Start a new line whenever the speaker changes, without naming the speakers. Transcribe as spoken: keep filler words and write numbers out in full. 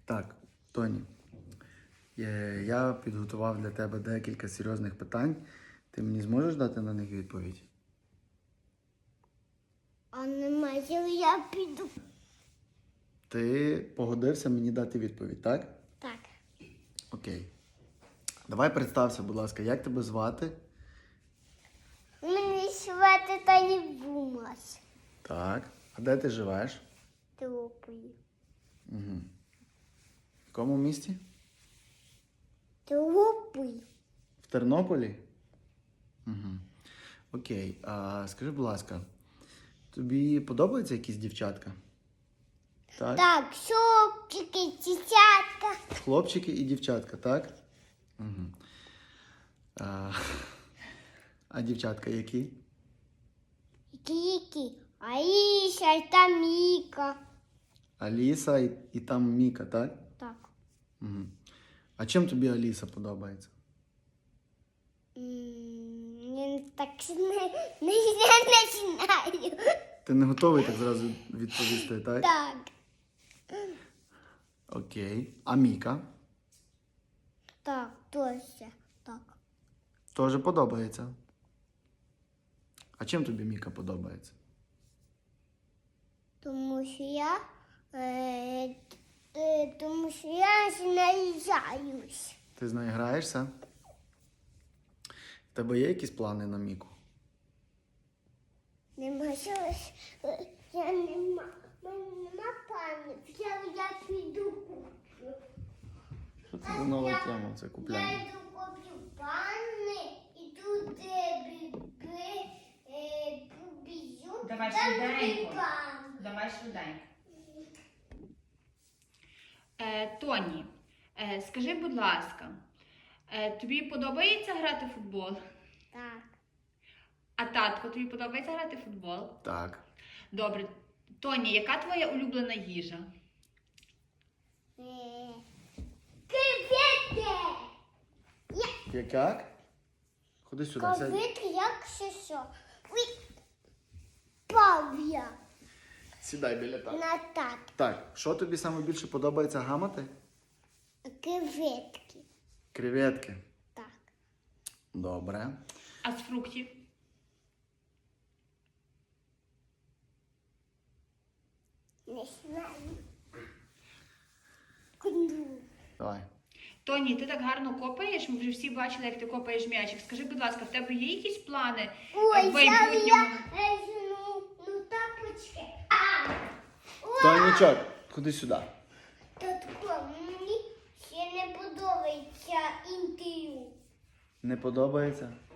Так, Тоні, е, я підготував для тебе декілька серйозних питань. Ти мені зможеш дати на них відповідь?
А немає, я піду.
Ти погодився мені дати відповідь, так?
Так.
Окей. Давай представся, будь ласка, як тебе звати?
Мені звати Тані Бумас.
Так. А де ти живеш?
Тропою.
Угу. В якому місті?
Тропою.
В Тернополі? Угу. Окей. А скажи, будь ласка, тобі подобаються якісь дівчатка? Так.
Так, шопчики, десятка.
Хлопчики і дівчатка, так? Угу. А, а дівчатка які?
Кікі, Аїша та Міка. Аліса
і, і там Міка, так?
Так.
Угу. А чим тобі Аліса подобається?
Я так не, не, не знаю.
Ти не готовий так зразу відповісти, так?
Так.
Окей. А Міка?
Так, точно. Так.
Теж подобається. А чим тобі Міка подобається?
Тому що я, е, е, тому що я з нею заюсь.
Ти з нею граєшся? В тебе є якісь плани на Міку?
Нема щось, е, я нема, мене нема планів, я, я піду куплю.
Що це за нова тема? Це
Я
купляння.
йду куплю панни і тут е, бі- бі- е, побіжу.
Давай
там
швиденько.
дві панни.
Давай швиденько. Е, Тоні, е, скажи, будь ласка, е, тобі подобається грати в футбол?
Так.
А татко, тобі подобається грати в футбол?
Так.
Добре. Тоні, яка твоя улюблена їжа?
Е, Креветки!
Як як? Ходи сюди, сядь.
Креветки, як ще що? Ой, пав я
Сідай біля тата.
на так.
Так, що тобі саме більше подобається гамати?
Креветки.
Креветки.
Так.
Добре.
А з фруктів?
Не знаю. Куди?
Давай.
Тоні, ти так гарно копаєш, ми вже всі бачили, як ти копаєш м'ячик. Скажи, будь ласка, в тебе є якісь плани е,
Ой,
в
я,
майбутньому?
я, е, ну, ну тапочки. А! Уа!
Тонічок, ходи сюди.
Татко, мені ще не подобається інтерв'ю.
Не подобається?